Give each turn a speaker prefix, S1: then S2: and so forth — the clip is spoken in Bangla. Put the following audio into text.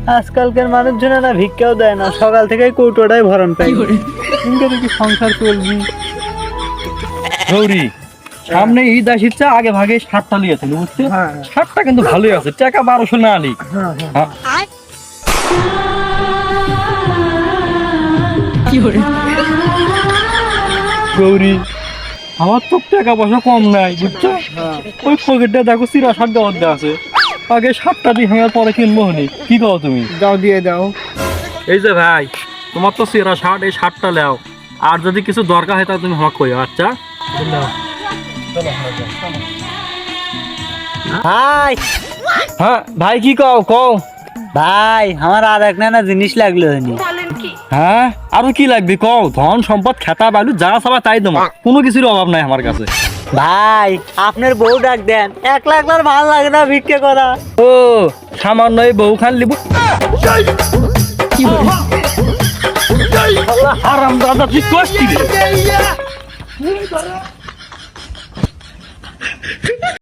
S1: আজকালকার মানুষজনে না ভিক্ষাও দেয় না, সকাল থেকেই কৌটোটাই ভরণ পাই। কিন্তু দেখি সংসার চলবি।
S2: গৌরী, সামনে ঈদ আসিচ্ছে, আগে ভাগে শার্টটা লিয়েছিল বুঝছি।
S1: হ্যাঁ।
S2: শার্টটা কিন্তু ভালোই আছে, টাকা 1200 না আলি। হ্যাঁ। গৌরী, আমার তো টাকা পয়সা কম নাই বুঝছো। ওই পকেটটা দেখো চিরা শার্ট দেওয়ার আছে, আগে শার্টটা দিয়ে ভাঙার পরে কিনবো হনি। কি কও তুমি?
S1: দাও, দিয়ে দাও।
S2: এই যে ভাই, তোমার তো চিরা শার্ট, এই শার্টটা নাও, আর যদি কিছু দরকার হয় তাহলে তুমি আমাকে কইও। আচ্ছা
S1: ভাই,
S2: হ্যাঁ ভাই, কি কও কও।
S1: ভাই আমার আর এক না জিনিস লাগলো হয়নি।
S2: হ্যাঁ, আরো কি লাগবে কও। ধন সম্পদ খেতা বালু যা চাবা তাই তোমার, কোনো কিছুর অভাব নাই আমার কাছে।
S1: ভাই আপনার বউ ডাক দেন, 1 লাখ আর ভালো লাগে না ভিক্ষে করা।
S2: ও সামান্য এই বউ খান লিবু। আরাম দাদা, তুই কষ্ট কি রে?